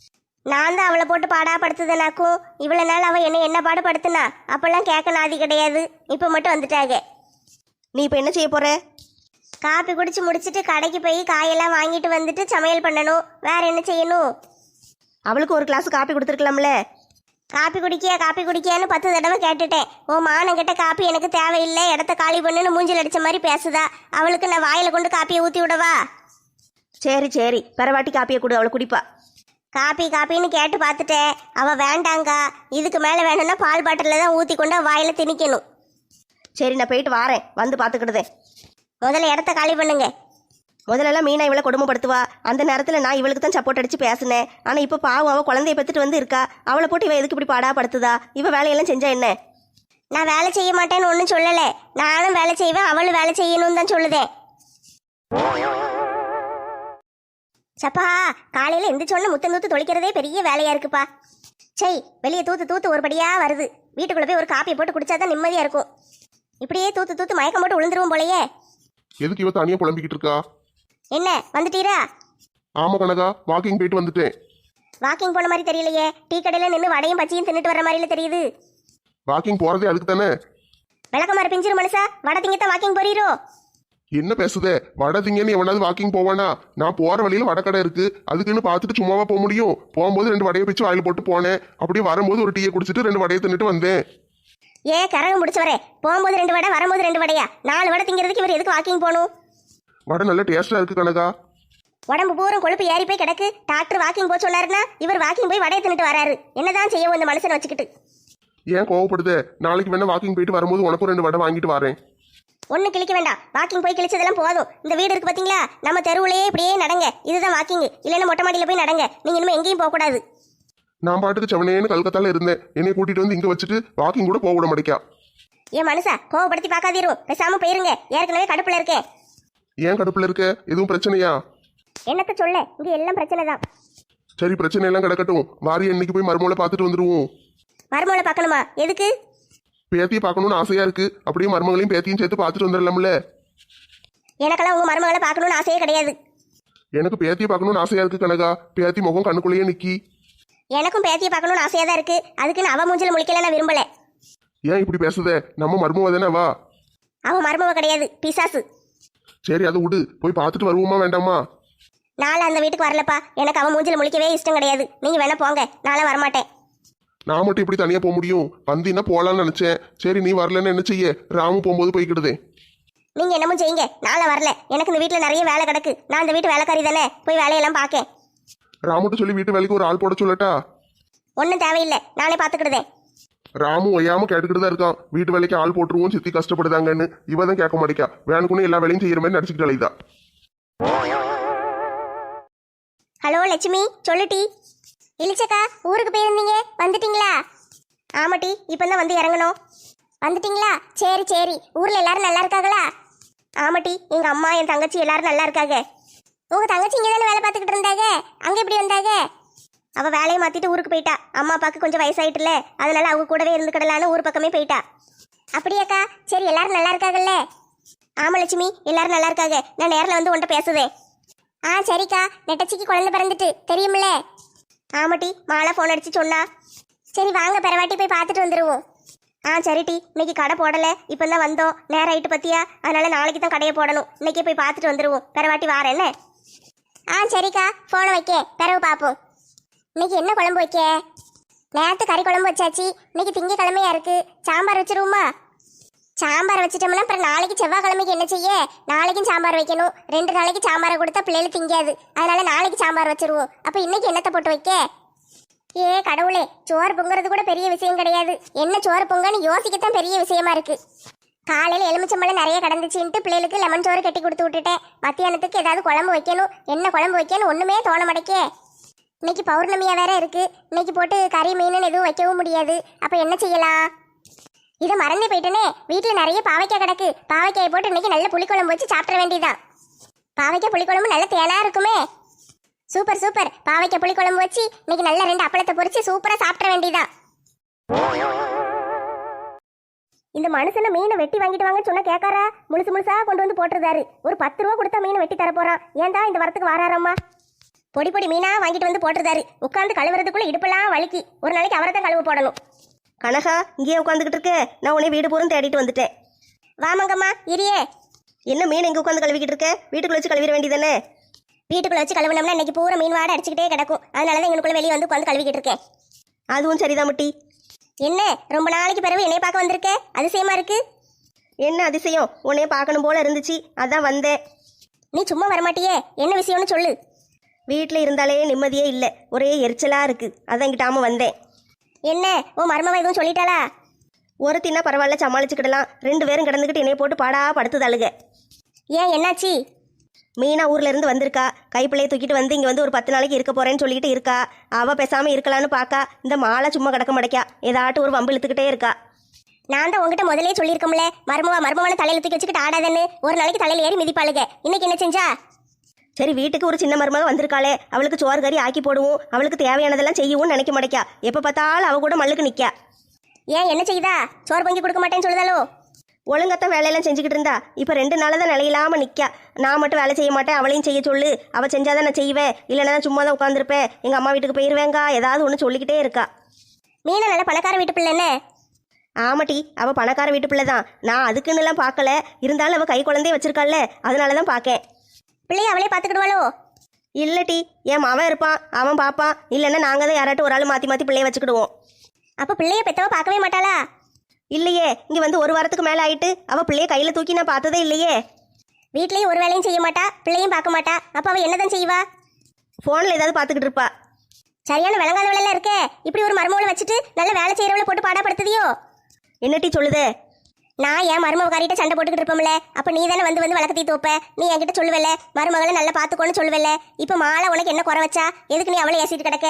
Speaker 1: நான் தான் அவளை போட்டு பாடா படுத்துதனாக்கும். இவ்வளவு நாள் அவள் என்ன என்ன பாடு படுத்துனா அப்பெல்லாம் கேட்க நாதி கிடையாது. இப்போ மட்டும் வந்துட்டாங்க.
Speaker 3: நீ இப்போ என்ன செய்ய போற?
Speaker 1: காப்பி குடிச்சு முடிச்சிட்டு கடைக்கு போய் காயெல்லாம் வாங்கிட்டு வந்துட்டு சமையல் பண்ணணும். வேற என்ன செய்யணும்?
Speaker 3: அவளுக்கு ஒரு கிளாஸ் காப்பி கொடுத்துருக்கலாம்ல.
Speaker 1: காப்பி குடிக்கியா காப்பி குடிக்கியான்னு பத்து தடவை கேட்டுட்டேன். ஓ மானங்கிட்ட காப்பி எனக்கு தேவையில்லை, இடத்த காலி பண்ணுன்னு மூஞ்சில் அடிச்ச மாதிரி பேசுதா. அவளுக்கு நான் வாயில கொண்டு காப்பியை ஊற்றி விடவா?
Speaker 3: சரி சரி, பரவாட்டி காப்பியை கொடு, அவளை குடிப்பா.
Speaker 1: காப்பி காப்பின்னு கேட்டு பார்த்துட்டேன். அவள் வேண்டாங்கா. இதுக்கு மேலே வேணும்னா பால் பாட்டிலில் தான் ஊற்றி கொண்டு அவ வாயில திணிக்கணும்.
Speaker 3: சரி, நான் போயிட்டு வாரேன், வந்து பார்த்துக்கிடுதேன்.
Speaker 1: முதல்ல இடத்த காலி பண்ணுங்க.
Speaker 3: முதல்லலாம் மீனா இவளை கொடுமைப்படுத்துவா. அந்த நேரத்தில் நான் இவளுக்கு தான் சப்போர்ட் அடிச்சு பேசினேன். ஆனால் இப்போ பாவம் அவள் குழந்தைய பெற்றுட்டு வந்து இருக்கா. அவளை போட்டு இவ எதுக்கு இப்படி பாடா படுத்துதா? இவ வேலையெல்லாம் செஞ்சா என்ன?
Speaker 1: நான் வேலை செய்ய மாட்டேன்னு ஒன்றும் சொல்லலை. நானும் வேலை செய்வேன், அவளும் வேலை செய்யணும்னு தான் சொல்லுதேன். சப்பா, காலையில் எந்திரிச்சோன்னு முத்தம் தூத்து தொளிக்கிறதே பெரிய வேலையா இருக்குப்பா. சை, வெளியே தூத்து தூத்து ஒருபடியா வருது. வீட்டுக்குள்ள போய் ஒரு காப்பியை போட்டு குடிச்சாதான் நிம்மதியா இருக்கும். இப்படியே தூத்து தூத்து மயக்கம் போட்டு விழுந்துருவோம் போலயே.
Speaker 2: எதுக்கு இவ தனியா புலம்பிக்கிட்டு இருக்கா?
Speaker 1: என்ன வந்துட்டீரா?
Speaker 2: ஆமா கனகா, வாக்கிங் போயிட்டு வந்துட்டேன்.
Speaker 1: வாக்கிங் போன மாதிரி தெரியலையே. டீ கடையில நின்று வடையும் பச்சியும் தின்னுட்டு வர மாதிரில தெரியுது.
Speaker 2: வாக்கிங் போறதே அதுக்கு தானே.
Speaker 1: விளக்கமாறு பிஞ்சிரு மனுஷா, வடை திங்கத்தான் வாக்கிங் போறீரோ?
Speaker 2: என்ன பேசுதே? வடை திங்கன்னு எவனாவது வாக்கிங் போவானா? நான் போற வழியில வடக்கடை இருக்கு, அதுக்குன்னு பார்த்துட்டு சும்மாவா போக முடியும்? போகும்போது ரெண்டு வடையை பிச்சு வாயில போட்டு போனேன். அப்படியே வரும்போது ஒரு டீயை குடிச்சிட்டு ரெண்டு வடையை தின்னுட்டு வந்தேன்.
Speaker 1: ஏ கரகம் முடிச்சவரே, போகும்போது ரெண்டு வடை வரும்போது ரெண்டு வடையா? நாலு வடை திங்கிறதுக்கு இவர் எதுக்கு வாக்கிங் போகணும்?
Speaker 2: வடை நல்ல டேஸ்டா இருக்கு கனகா.
Speaker 1: உடம்பு பூரம் கொழுப்பு ஏறி போய் கிடக்கு. டாக்டர் வாக்கிங் போக சொன்னாருன்னா இவர் வாக்கிங் போய் வடையை தின்னுட்டு வராரு. என்னதான் செய்யவும் இந்த மனுஷனை வச்சுக்கிட்டு?
Speaker 2: ஏன் கோவப்படுதே? நாளைக்கு வேணா வாக்கிங் போயிட்டு வரும்போது உனக்கும் ரெண்டு வடை வாங்கிட்டு வரேன்.
Speaker 1: ஒன்னும் கிழிக்க வேண்டாம். வாக்கிங் போய் கிழிச்சதெல்லாம் போதும். இந்த வீடு இருக்கு பாத்தீங்களா, நம்ம தெருவுலயே இப்படியே நடங்க. இதுதான் வாக்கிங். இல்லைன்னா மொட்டை மாடியில போய் நடங்க. நீங்க இனிமே எங்கேயும் போக கூடாது.
Speaker 2: நான் பாட்டுக்கு செவனேன்னு கல்கத்தால இருந்தேன். என்னை கூட்டிட்டு வந்து இங்க வச்சுட்டு வாக்கிங் கூட போக விட மாட்டேக்கா.
Speaker 1: ஏன் மனுஷா, கோவப்படுத்தி பார்க்காதீரும். பேசாம போயிருங்க. ஏற்கனவே கடுப்புல இருக்கேன்.
Speaker 2: ஏன் கடுப்புல இருக்க? எதுவும் பிரச்சனையா?
Speaker 1: என்னத்த சொல்ல, இங்க எல்லாம் பிரச்சனை தான்.
Speaker 2: சரி, பிரச்சனை எல்லாம் கிடக்கட்டும். வாரி இன்னைக்கு போய் மருமகளை பார்த்துட்டு வந்துருவோம்.
Speaker 1: மருமகளை பார்க்கணுமா? எதுக்கு?
Speaker 2: பேத்தியை பார்க்கணும்னு ஆசையா இருக்கு. அப்படியே மருமகளையும் பேத்தியும் சேர்த்து பார்த்துட்டு வந்துடலாம்ல.
Speaker 1: எனக்கெல்லாம் உங்க மருமகளை பார்க்கணும்னு ஆசையே கிடையாது.
Speaker 2: எனக்கு பேத்தியை பார்க்கணும்னு ஆசையா இருக்கு கனகா. பேத்தி முகம் கண்ணுக்குள்ளேயே நிக்கி.
Speaker 1: எனக்கும் பேத்தியை பார்க்கணும்னு ஆசையா தான் இருக்கு. அதுக்குன்னு அவ மூஞ்சில முழிக்கல நான் விரும்பல.
Speaker 2: ஏன் இப்படி பேசுதே? நம்ம மருமவ தானே வா.
Speaker 1: அவ மருமவ கிடையாது, பிசாசு.
Speaker 2: சரி, அதை விடு. போய் பார்த்துட்டு வருவோமா வேண்டாமா?
Speaker 1: நாளை அந்த வீட்டுக்கு வரலப்பா. எனக்கு அவன் மூஞ்சில முழிக்கவே இஷ்டம் கிடையாது. நீங்க வேணா போங்க, நாளை வரமாட்டேன்.
Speaker 2: நான் மட்டும் இப்படி தனியா போக முடியும்? வந்தீங்கன்னா போலான்னு நினைச்சேன். சரி, நீ வரலன்னு என்ன செய்ய? ராமு போகும்போது போய்க்கிடுதே.
Speaker 1: நீங்க என்னமோ செய்யுங்க, நாளை வரல. எனக்கு இந்த வீட்டுல நிறைய வேலை கிடக்கு. நான் இந்த வீட்டு வேலைக்காரி தானே, போய் வேலையெல்லாம் பார்க்கேன்.
Speaker 2: ராமுட்டு சொல்லி வீட்டு வேலைக்கு ஒரு ஆள் போட சொல்லட்டா?
Speaker 1: ஒன்றும் தேவையில்லை, நானே பார்த்துக்கிடுதேன்.
Speaker 2: ராமு ஒய்யாம கேட்டுக்கிட்டு தான் இருக்கான். வீட்டு வேலைக்கு ஆள் போட்டுருவோம், சித்தி கஷ்டப்படுதாங்கன்னு. இவ தான் கேட்க மாட்டேக்கா. வேணுக்குன்னு எல்லா வேலையும் செய்யற மாதிரி நடிச்சுக்கிட்டு அலைதா.
Speaker 1: ஹலோ லட்சுமி, சொல்லுட்டி. இளிச்சக்கா, ஊருக்கு போயிருந்தீங்க, வந்துட்டீங்களா? ஆமாட்டி, இப்போ தான் வந்து இறங்கணும். வந்துட்டீங்களா? சரி சரி. ஊரில் எல்லாரும் நல்லா இருக்காங்களா? ஆமாட்டி, எங்கள் அம்மா என் தங்கச்சி எல்லாரும் நல்லா இருக்காங்க. உங்கள் தங்கச்சி இங்கே தானே வேலை பார்த்துக்கிட்டு இருந்தாங்க, அங்கே எப்படி வந்தாங்க? அவள் வேலையை மாற்றிட்டு ஊருக்கு போயிட்டா. அம்மா அப்பாவுக்கு கொஞ்சம் வயசாயிட்டுல, அதனால அவங்க கூடவே இருந்துக்கிடலான்னு ஊர் பக்கமே போயிட்டா. அப்படியாக்கா? சரி, எல்லாரும் நல்லா இருக்காங்கல்ல? ஆமாம் லட்சுமி, எல்லாரும் நல்லா இருக்காங்க. நான் நேரில் வந்து உன்கிட்ட பேசுதேன். ஆ சரிக்கா, நெட்டச்சிக்கு குழந்தை பிறந்துட்டு தெரியுமில்ல? ஆமாட்டி, மாலா ஃபோன் அடிச்சு சொன்னா. சரி வாங்க, பிறவாட்டி போய் பார்த்துட்டு வந்துடுவோம். ஆ சரிட்டி, இன்னைக்கு கடை போடலை, இப்போ தான் வந்தோம். நேரம் ஆயிட்டு பத்தியா, அதனால நாளைக்கு தான் கடையை போடணும். இன்னைக்கே போய் பார்த்துட்டு வந்துடுவோம். பிறவாட்டி வார என்ன? ஆ சரிக்கா, ஃபோனை வைக்க பிறகு பார்ப்போம். இன்னைக்கு என்ன குழம்பு வைக்க? நேற்று கறி குழம்பு வச்சாச்சு. இன்னைக்கு திங்கக்கிழமையா இருக்கு, சாம்பார் வச்சிருவோமா? சாம்பார் வச்சிட்டோம்னா அப்புறம் நாளைக்கு செவ்வாய்க்கிழமைக்கு என்ன செய்ய? நாளைக்கும் சாம்பார் வைக்கணும். ரெண்டு நாளைக்கு சாம்பாரை கொடுத்தா பிள்ளைகள் திங்காது. அதனால நாளைக்கு சாம்பார் வச்சிருவோம். அப்போ இன்னைக்கு என்னத்தை போட்டு வைக்க? ஏ கடவுளே, சோறு பொங்குறது கூட பெரிய விஷயம் கிடையாது. என்ன சோறு பொங்கன்னு யோசிக்கத்தான் பெரிய விஷயமா இருக்கு. காலையில் எலுமிச்சம்பழம் நிறைய கிடந்துச்சுன்ட்டு பிள்ளைகளுக்கு லெமன் சோறு கட்டி கொடுத்து விட்டுட்டேன். மத்தியானத்துக்கு ஏதாவது குழம்பு வைக்கணும். என்ன குழம்பு வைக்கணும் ஒன்றுமே தோண மாட்டேக்கே. இன்னைக்கு பௌர்ணமியா வேற இருக்கு. இன்னைக்கு போட்டு கறி மீன் எதுவும் வைக்கவும் முடியாது. அப்போ என்ன செய்யலாம்? இதை மறந்தே போயிட்டேனே. வீட்டில் நிறைய பாவைக்காய் கிடக்கு. பாவைக்காயை போட்டு இன்னைக்கு நல்ல புளிக்குழம்பு வச்சு சாப்பிட வேண்டியதான். பாவைக்காய் புளிக்குழம்பு நல்ல தேனா இருக்குமே. Super super. பாவைக்காய் புளிக்குழம்பு வச்சு இன்னைக்கு நல்ல ரெண்டு அப்பளத்தை பொரிச்சு சூப்பரா சாப்பிட வேண்டியதான். இந்த மனுஷனை மீனை வெட்டி வாங்கிட்டு வாங்க சொன்னா கேட்காரா? முழுசு முழுசா கொண்டு வந்து போட்டுருந்தாரு. ஒரு பத்து ரூபா கொடுத்தா மீனை வெட்டி தர போறான். ஏன்டா இந்த வரத்துக்கு வாராரம்மா? பொடி பொடி மீனா வாங்கிட்டு வந்து போட்டுருந்தாரு. உட்காந்து கழுவுறதுக்குள்ள இடுப்பெல்லாம் வலிக்கி. ஒரு நாளைக்கு அவரை தான் கழுவ போடணும்.
Speaker 3: கனகா இங்கேயே உட்காந்துக்கிட்டு இருக்க, நான் உன்னை வீடு பூரம் தேடிட்டு வந்துட்டேன்.
Speaker 1: வாமங்கம்மா இரியே.
Speaker 3: என்ன மீன் எங்கே உட்காந்து கழுவிக்கிட்டு இருக்க? வீட்டுக்குள்ள வச்சு கழுவிட வேண்டியதானே?
Speaker 1: வீட்டுக்குள்ள வச்சு கழுவுனோம்னா இன்னைக்கு பூரா மீன் வாடை அடிச்சுக்கிட்டே கிடக்கும். அதனால தான் எங்களுக்குள்ள வெளியே வந்து உட்காந்து கழுவிக்கிட்டு இருக்கேன்.
Speaker 3: அதுவும் சரிதான் முட்டி.
Speaker 1: என்ன ரொம்ப நாளைக்கு பிறகு என்னைய பார்க்க வந்திருக்க? அதிசயமா இருக்கு.
Speaker 3: என்ன அதிசயம்? உன்னைய பார்க்கணும் போல இருந்துச்சு, அதான் வந்தேன்.
Speaker 1: நீ சும்மா வரமாட்டியே, என்ன விஷயம்னு சொல்லு.
Speaker 3: வீட்டில் இருந்தாலே நிம்மதியே இல்லை, ஒரே எரிச்சலாக இருக்கு, அதான் கிட்டாம வந்தேன்.
Speaker 1: என்ன உன் மருமவ எதுவும் சொல்லிட்டாளா?
Speaker 3: ஒரு தின்னா பரவாயில்ல, சமாளிச்சுக்கிடலாம். ரெண்டு பேரும் கிடந்துக்கிட்டு என்னைய போட்டு பாடா படுத்துதாளுங்க.
Speaker 1: ஏன் என்னாச்சு?
Speaker 3: மீனா ஊர்ல இருந்து வந்திருக்கா, கைப்பிள்ளையை தூக்கிட்டு வந்து இங்கே வந்து ஒரு பத்து நாளைக்கு இருக்க போறேன்னு சொல்லிட்டு இருக்கா. அவ பேசாம இருக்கலான்னு பார்க்கா, இந்த மாலை சும்மா கிடக்க மாட்டேக்கா, ஏதாட்டும் ஒரு வம்பு இழுத்துக்கிட்டே இருக்கா.
Speaker 1: நான் தான் உங்ககிட்ட முதலே சொல்லியிருக்கோம்ல, மருமவா மருமவனை தலையில தூக்கி வச்சுக்கிட்டு ஆடாதன்னு. ஒரு நாளைக்கு தலையில ஏறி மிதிப்பாளுங்க. இன்னைக்கு என்ன செஞ்சா?
Speaker 3: சரி, வீட்டுக்கு ஒரு சின்ன மருமக வந்திருக்காளே, அவளுக்கு சோறு கறி ஆக்கி போடுவோம், அவளுக்கு தேவையானதெல்லாம் செய்யவும் நினைக்க மாட்டேக்கா. எப்போ பார்த்தாலும் அவ கூட மல்லுக்கு நிற்கா.
Speaker 1: ஏன் என்ன செய்தா? சோறு பொங்கி கொடுக்க மாட்டேன்னு சொல்லுதாலோ?
Speaker 3: ஒழுங்கத்தான் வேலையெல்லாம் செஞ்சுக்கிட்டு இருந்தா, இப்போ ரெண்டு நாள் தான் நிலையில்லாமல் நிற்கா. நான் மட்டும் வேலை செய்ய மாட்டேன், அவளையும் செய்ய சொல்லு, அவள் செஞ்சாதான் நான் செய்வேன், இல்லைன்னா நான் சும்மா தான் உட்காந்துருப்பேன், எங்கள் அம்மா வீட்டுக்கு போயிருவேங்கா, ஏதாவது ஒன்று சொல்லிக்கிட்டே இருக்கா.
Speaker 1: மீனா நல்ல பணக்கார வீட்டு பிள்ளை என்ன?
Speaker 3: ஆமாட்டி, அவள் பணக்கார வீட்டு பிள்ளை தான். நான் அதுக்குன்னுலாம் பார்க்கல, இருந்தாலும் அவள் கை குழந்தைய வச்சிருக்காள்ல, அதனால தான் பார்க்கேன்.
Speaker 1: பிள்ளைய அவளே பார்த்துக்கிடுவாளோ?
Speaker 3: இல்லட்டி, என் அவன் இருப்பான், அவன் பார்ப்பான், இல்லைன்னா நாங்கள் தான் யாராட்டும் ஒரு ஆள் மாற்றி மாற்றி பிள்ளைய வச்சுக்கிடுவோம்.
Speaker 1: அப்போ பிள்ளைய பெத்தவ பார்க்கவே மாட்டாளா?
Speaker 3: இல்லையே, இங்கே வந்து ஒரு வாரத்துக்கு மேலே ஆயிட்டு அவள் பிள்ளைய கையில் தூக்கி நான் பார்த்ததே இல்லையே.
Speaker 1: வீட்லயும் ஒரு வேலையும் செய்ய மாட்டா, பிள்ளையும் பார்க்க மாட்டா. அப்போ அவள் என்னதான் செய்வா?
Speaker 3: ஃபோனில் ஏதாவது பார்த்துக்கிட்டு இருப்பா.
Speaker 1: சரியான விளங்காத வேலையெல்லாம் இருக்கே. இப்படி ஒரு மருமகளை வச்சுட்டு நல்ல வேலை செய்யறவளை போட்டு பாடப்படுத்துதியோ?
Speaker 3: என்னட்டி சொல்லுதே?
Speaker 1: நான் என் மருமகாரிட்ட சண்டை போட்டுக்கிட்டு இருப்போம்ல, அப்ப நீ தானே வந்து வந்து வழக்கத்தி தோப்ப. நீ என்கிட்ட சொல்லுவல, மருமகளை நல்லா பாத்துக்கோன்னு சொல்லுவல. இப்ப மாலை உனக்கு என்ன குறை வச்சா? எதுக்கு நீ அவளை ஏசிட்டு கிடக்க?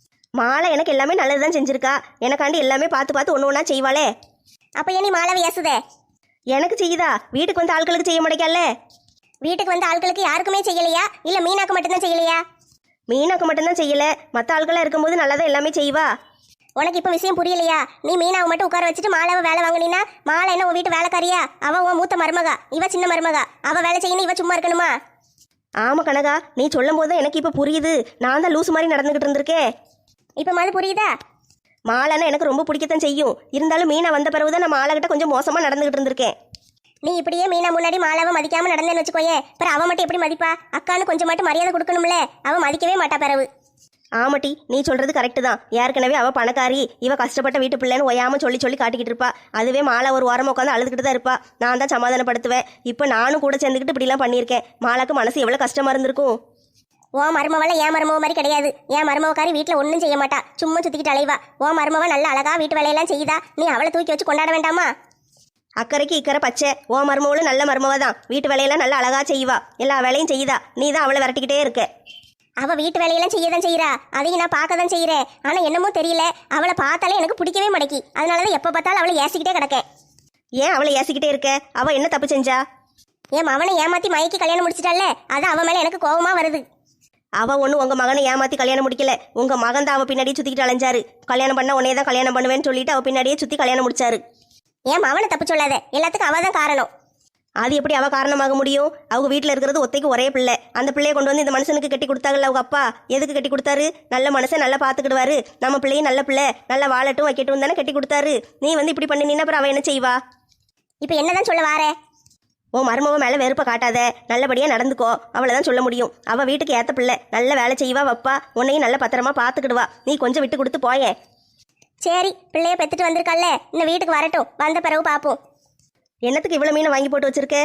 Speaker 3: மாலை எனக்கு எல்லாமே நல்லதுதான் செஞ்சிருக்கா, எனக்காண்டி எல்லாமே பார்த்து பார்த்து ஒன்று ஒன்றா செய்வாளே.
Speaker 1: அப்ப ஏன் நீ மாலாவை ஏசுதே?
Speaker 3: எனக்கு செய்யுதா? வீட்டுக்கு வந்து ஆட்களுக்கு செய்ய மாட்டேக்கல்ல.
Speaker 1: வீட்டுக்கு வந்த ஆட்களுக்கு யாருக்குமே செய்யலையா? இல்ல மீனாக்கு மட்டும்தான் செய்யலையா?
Speaker 3: மீனாக்கு மட்டும்தான் செய்யல, மற்ற ஆட்களாக இருக்கும்போது நல்லா தான் எல்லாமே செய்வா.
Speaker 1: உனக்கு இப்ப விஷயம் புரியலையா? நீ மீனாவை மட்டும் உட்கார வச்சுட்டு மாலாவை வேலை வாங்கினா, மாலை என்ன உன் வீட்டு வேலைக்காரியா? அவ உன் மூத்த மருமகா, இவ சின்ன மருமகா. அவ வேலை செய்யணும், இவ சும்மா இருக்கணுமா?
Speaker 3: ஆமா கனகா, நீ சொல்லும் போது எனக்கு இப்ப புரியுது. நான் தான் லூசு மாதிரி நடந்துகிட்டு இருந்திருக்கேன்.
Speaker 1: இப்ப மாதிரி புரியுதா?
Speaker 3: மாலைன்னா எனக்கு ரொம்ப பிடிக்கத்தான் செய்யும், இருந்தாலும் மீனா வந்த பிறகுதான் நான் மாலை கிட்ட கொஞ்சம் மோசமா நடந்துகிட்டு இருந்திருக்கேன்.
Speaker 1: நீ இப்படியே மீனா முன்னாடி மாலாவை மதிக்காம நடந்தேன்னு வச்சுக்கோயே, பிற அவ மட்டும் எப்படி மதிப்பா? அக்கான்னு கொஞ்சம் மட்டும் மரியாதை கொடுக்கணும்ல, அவ மதிக்கவே மாட்டா. பிறவு
Speaker 3: ஆமாட்டி, நீ சொல்றது கரெக்டு தான். ஏற்கனவே அவ பணக்காரி, இவ கஷ்டப்பட்ட வீட்டு பிள்ளைன்னு ஒயாம சொல்லி சொல்லி காட்டிக்கிட்டு இருப்பா. அதுவே மாலை ஒரு வாரம் உட்காந்து அழுதுகிட்டு தான் இருப்பா. நான் தான் சமாதானப்படுத்துவேன். இப்போ நானும் கூட சேர்ந்துக்கிட்டு இப்படிலாம் பண்ணியிருக்கேன். மாலாக்கு மனசு எவ்வளோ கஷ்டமா இருந்திருக்கும்.
Speaker 1: ஓ மருமவள என் மருமவ மாதிரி கிடையாது. என் மருமவக்காரி வீட்டில் ஒன்றும் செய்ய மாட்டா, சும்மா சுத்திக்கிட்டு அலைவா. ஓ மருமவ நல்ல அழகா வீட்டு வேலையெல்லாம் செய்யுதா, நீ அவளை தூக்கி வச்சு கொண்டாட வேண்டாமா?
Speaker 3: அக்கறைக்கு இக்கரை பச்சை. ஓ மருமவளும் நல்ல மருமவ தான், வீட்டு வேலையெல்லாம் நல்லா அழகா செய்வா, எல்லா வேலையும் செய்யுதா. நீ தான் அவளை விரட்டிக்கிட்டே இருக்க.
Speaker 1: அவ வீட்டு வேலையெல்லாம் செய்யதான் செய்யறா, அதையும் நான் பார்க்க தான் செய்யறேன். ஆனா என்னமோ தெரியல, அவளை பார்த்தாலே எனக்கு பிடிக்கவே மாட்டேக்கி. அதனாலதான் எப்ப பார்த்தாலும் அவளை ஏசிக்கிட்டே கிடக்கேன்.
Speaker 3: ஏன் அவளை ஏசிக்கிட்டே இருக்க? அவ என்ன தப்பு செஞ்சா?
Speaker 1: என் மவனை ஏமாத்தி மயக்கி கல்யாணம் முடிச்சிட்டால, அது அவ மேல எனக்கு கோபமா வருது.
Speaker 3: அவ ஒண்ணு உங்க மகனை ஏமாத்தி கல்யாணம் முடிக்கல, உங்க மகன் தான் அவ பின்னாடியே சுத்திக்கிட்டு அலைஞ்சாரு. கல்யாணம் பண்ண உன்னையே தான் கல்யாணம் பண்ணுவேன்னு சொல்லிட்டு அவ பின்னாடியே சுத்தி கல்யாணம் முடிச்சாரு.
Speaker 1: என் மவனை தப்பு சொல்லாத, எல்லாத்துக்கும் அவ தான் காரணம்.
Speaker 3: அது எப்படி அவ காரணமாக முடியும்? அவங்க வீட்டில் இருக்கிறது ஒத்தைக்கு ஒரே பிள்ளை. அந்த பிள்ளையை கொண்டு வந்து இந்த மனுஷனுக்கு கட்டி கொடுத்தாங்கல்ல அவங்க அப்பா. எதுக்கு கட்டி கொடுத்தாரு? நல்ல மனுஷன் நல்லா பார்த்துக்கிடுவாரு, நம்ம பிள்ளையும் நல்ல பிள்ளை, நல்லா வாழட்டும் வைக்கட்டும் தானே கட்டி கொடுத்தாரு. நீ வந்து இப்படி பண்ணினா அப்புறம் அவ என்ன செய்வா?
Speaker 1: இப்ப என்னதான் சொல்ல வாரே?
Speaker 3: ஓ மருமவ மேல வெறுப்ப காட்டாத, நல்லபடியா நடந்துக்கோ, அவளைதான் சொல்ல முடியும். அவ வீட்டுக்கு ஏத்த பிள்ளை, நல்ல வேலை செய்வா, வப்பா, உன்னையும் நல்ல பத்திரமா பார்த்துக்கிடுவா. நீ கொஞ்சம் விட்டு கொடுத்து போயேன்.
Speaker 1: சரி, பிள்ளைய பெத்துட்டு வந்திருக்கல்ல, இன்னும் வீட்டுக்கு வரட்டும், வந்த பிறகு பார்ப்போம்.
Speaker 3: என்னத்துக்கு இவ்வளவு மீனை வாங்கி போட்டு வச்சிருக்க?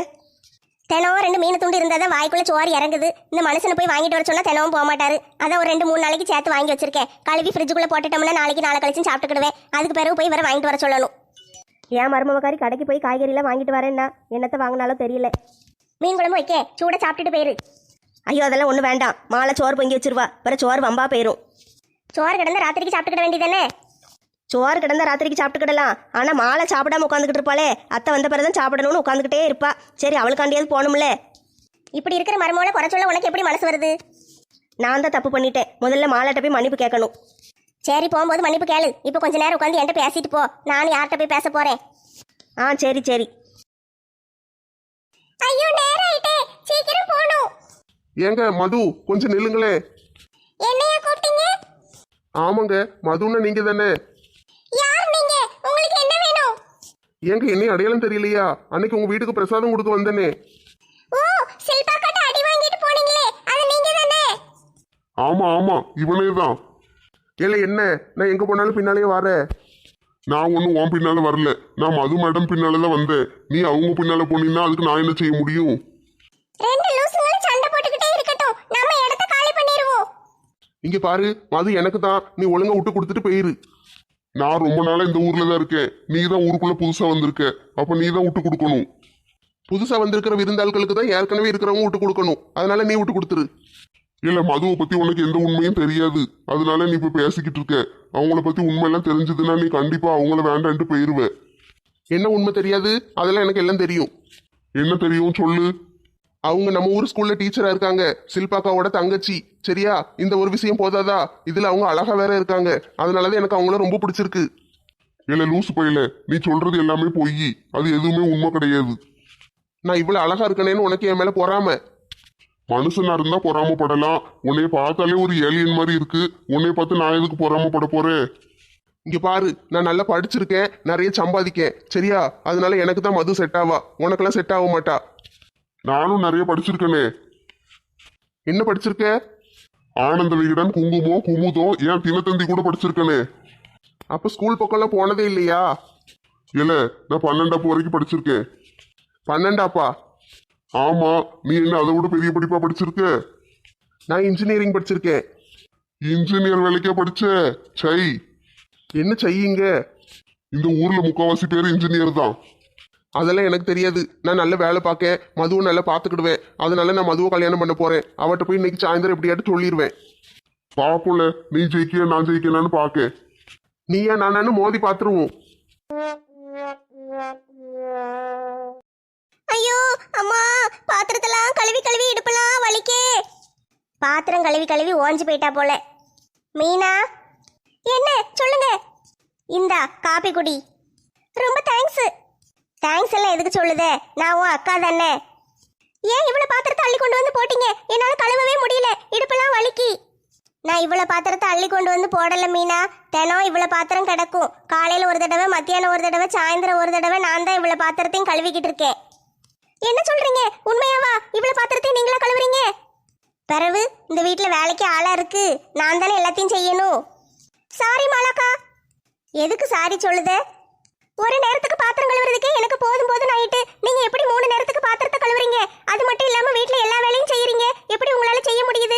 Speaker 1: தினம் ரெண்டு மீன் துண்டு இருந்தாதான் வாய்க்குள்ள சோறு இறங்குது. இந்த மனுஷனை போய் வாங்கிட்டு வர சொன்னா தினமும் போக மாட்டாரு. அதான் ஒரு ரெண்டு மூணு நாளைக்கு சேர்த்து வாங்கி வச்சிருக்கேன். கழுவி ஃப்ரிட்ஜுக்குள்ள போட்டுட்டோம்னா நாளைக்கு நாளை கழிச்சு சாப்பிட்டுக்கிடுவேன். அதுக்கு பிறகு போய் வர வாங்கிட்டு வர சொல்லணும்.
Speaker 3: ஏன் மருமவக்காரி கடைக்கு போய் காய்கறிலாம் வாங்கிட்டு வரேன்னா என்னத்தை வாங்கினாலும் தெரியல.
Speaker 1: மீன் குழம்பு வைக்க சூட சாப்பிட்டுட்டு போயிரு.
Speaker 3: ஐயோ அதெல்லாம் ஒன்றும் வேண்டாம், மாலை சோறு பொங்கி வச்சிருவா, பிற சோறு வம்பா போயிரும்.
Speaker 1: சோறு கிடந்த ராத்திரிக்கு சாப்பிட்டுக்கிட வேண்டியதானே?
Speaker 3: சோறு கிடந்தா ராத்திரிக்கு சாப்பிட்டுக்கிடலாம், ஆனால் மாலை சாப்பிடாம உட்காந்துக்கிட்டு இருப்பாளே, அத்தை வந்த பிறதான் சாப்பிடணும்னு உட்காந்துக்கிட்டே இருப்பா. சரி, அவளுக்காண்டியாவது போகணும்ல.
Speaker 1: இப்படி இருக்கிற மருமகளை குறை சொல்ல உனக்கு எப்படி மனசு வருது?
Speaker 3: நான் தான் தப்பு பண்ணிட்டேன். முதல்ல மாலாட்ட போய் மன்னிப்பு கேட்கணும்.
Speaker 1: சரி, போகும்போது மன்னிப்பு கேளு. இப்போ கொஞ்ச நேரம் உட்காந்து என்கிட்ட பேசிட்டு போ, நானும் யார்கிட்ட போய் பேச போறேன்.
Speaker 3: ஆ சரி சரி.
Speaker 1: ஐயோ நேரம் ஆயிட்டே, சீக்கிரம் போணும்.
Speaker 2: ஏங்க மது, கொஞ்சம் நில்லுங்களே.
Speaker 1: என்னையா கூப்பிட்டீங்க?
Speaker 2: ஆமாங்க, மதுன்னா நீங்க தானே?
Speaker 1: யார் நீங்க? உங்களுக்கு என்ன வேணும்?
Speaker 2: ஏங்க என்னையும் அடையாளம் தெரியலையா? அன்னைக்கு உங்க வீட்டுக்கு பிரசாதம் கொடுக்க வந்தேனே.
Speaker 1: ஓ, சில்பா கிட்ட அடி வாங்கிட்டு போனீங்களே, அது நீங்க தானே?
Speaker 4: ஆமா ஆமா இவனே தான்.
Speaker 2: இல்ல என்ன, நான் எங்க போனாலும் பின்னாலேயே வரேன்.
Speaker 4: நான் ஒன்றும் உன் பின்னால வரல, நான் மது மேடம் பின்னால தான் வந்தேன். நீ அவங்க பின்னால போனீங்கன்னா அதுக்கு நான் என்ன செய்ய முடியும்?
Speaker 1: ரெண்டு லூசுங்களும் சண்டை போட்டுக்கிட்டே இருக்கட்டும், நம்ம இடத்த காலி பண்ணிடுவோம்.
Speaker 2: இங்க பாரு, மது எனக்கு தான், நீ ஒழுங்கா விட்டு கொடுத்துட்டு போயிரு.
Speaker 4: நான் ரொம்ப நாளா இந்த ஊர்ல தான் இருக்கேன், நீ தான் ஊருக்குள்ள புதுசா வந்திருக்க, அப்ப நீ தான் விட்டு கொடுக்கணும்.
Speaker 2: புதுசா வந்திருக்கிற விருந்தாள்களுக்கு தான் ஏற்கனவே இருக்கிறவங்க விட்டு கொடுக்கணும், அதனால நீ விட்டு கொடுத்துரு.
Speaker 4: இல்ல மதுவை பத்தி உனக்கு எந்த உண்மையும் தெரியாது, அதனால நீ இப்ப பேசிக்கிட்டு இருக்க. அவங்கள பத்தி உண்மையெல்லாம் தெரிஞ்சதுன்னா நீ கண்டிப்பா அவங்கள வேண்டான்ட்டு போயிருவ.
Speaker 2: என்ன உண்மை தெரியாது? அதெல்லாம் எனக்கு எல்லாம் தெரியும்.
Speaker 4: என்ன தெரியும் சொல்லு.
Speaker 2: அவங்க நம்ம ஊர் ஸ்கூல்ல டீச்சரா இருக்காங்க, சில்பாக்காவோட தங்கச்சி. சரியா? இந்த ஒரு விஷயம் போதாதா? இதுல அவங்க அழகா வேற இருக்காங்க, அதனாலதான் எனக்கு அவங்கள ரொம்ப பிடிச்சிருக்கு.
Speaker 4: இல்ல லூசு பையல, நீ சொல்றது எல்லாமே பொய், அது எதுவுமே உண்மை கிடையாது.
Speaker 2: நான் இவ்வளவு அழகா இருக்கனேன்னு உனக்கு என் மேல பொறாம?
Speaker 4: மனுஷனா இருந்தா பொறாமப்படலாம், உன்னைய பார்த்தாலே ஒரு ஏலியன் மாதிரி இருக்கு, உன்னைய பார்த்து நான் எதுக்கு பொறாமப்பட போறேன்?
Speaker 2: இங்க பாரு, நான் நல்லா படிச்சிருக்கேன், நிறைய சம்பாதிக்கேன். சரியா? அதனால எனக்கு தான் மது செட் ஆவா, உனக்கெல்லாம் செட் ஆக மாட்டா.
Speaker 4: நானும் நிறைய படிச்சிருக்கேனே.
Speaker 2: என்ன படிச்சிருக்க?
Speaker 4: ஆனந்த விகடன், குங்குமம், குமுதம், ஏன் தினத்தந்தி கூட படிச்சிருக்கேனே.
Speaker 2: அப்ப ஸ்கூல் பக்கம்லாம் போனதே இல்லையா?
Speaker 4: இல்ல, நான் பன்னெண்டாப்பு வரைக்கும் படிச்சிருக்கேன்.
Speaker 2: பன்னெண்டாப்பா?
Speaker 4: ஆமா, நீ என்ன அதை விட பெரிய படிப்பா படிச்சிருக்க?
Speaker 2: நான் இன்ஜினியரிங் படிச்சிருக்கேன்.
Speaker 4: இன்ஜினியர் வேலைக்கே படிச்ச? சை,
Speaker 2: என்ன செய்யுங்க?
Speaker 4: இந்த ஊர்ல முக்காவாசி பேர் இன்ஜினியர் தான்.
Speaker 2: அதெல்லாம் எனக்கு தெரியாது, நான் நல்ல வேலை பார்க்கேன், மதுவை நல்லா பார்த்துக்கிடுவேன். அதனால நான் மதுவை கல்யாணம் பண்ண போறேன். அவட்ட போய் இன்னைக்கு சாயந்தரம் எப்படியாட்டு சொல்லிடுவேன்.
Speaker 4: பாப்புல நீ ஜெயிக்கிய நான் ஜெயிக்கலான்னு பாக்க.
Speaker 2: நீயா நானு மோதி பார்த்துருவோம்.
Speaker 1: ஐயோ அம்மா, பாத்திரத்தெல்லாம் கழுவி கழுவி இடுப்பெல்லாம் வலிக்கே. பாத்திரம் கழுவி கழுவி ஓஞ்சு போயிட்டா போல. மீனா, என்ன சொல்லுங்க. இந்தா காப்பி குடி. ரொம்ப தேங்க்ஸ். தேங்க்ஸ் எல்லாம் எதுக்கு சொல்லுதே, நான் உன் அக்கா தானே. ஏன் இவ்வளவு பாத்திரத்தை அள்ளி கொண்டு வந்து போட்டீங்க? என்னால கழுவவே முடியல, இடுப்பெல்லாம் வலிக்கி. நான் இவ்வளவு பாத்திரத்தை அள்ளி கொண்டு வந்து போடல மீனா, தினம் இவ்வளவு பாத்திரம் கிடக்கும். காலையில ஒரு தடவை, மத்தியானம் ஒரு தடவை, சாயந்தரம் ஒரு தடவை நான் தான் இவ்வளவு பாத்திரத்தையும் கழுவிக்கிட்டு இருக்கேன். என்ன சொல்றீங்க? உண்மையாவா? இவ்வளவு பாத்திரத்தையும் நீங்களா கழுவுறீங்க? பிறகு இந்த வீட்டுல வேலைக்கு ஆளா இருக்கு, நான் தானே எல்லாத்தையும் செய்யணும். சாரி மாலாக்கா. எதுக்கு சாரி சொல்லுதே? ஒரு நேரத்துக்கு பாத்திரம் கழுவுறதுக்கே எனக்கு போதும் போதும் ஆயிட்டு, நீங்க எப்படி மூணு நேரத்துக்கு பாத்திரத்தை கழுவுறீங்க? அது மட்டும் இல்லாம வீட்டுல எல்லா வேலையும் செய்யறீங்க, எப்படி உங்களால செய்ய முடியுது?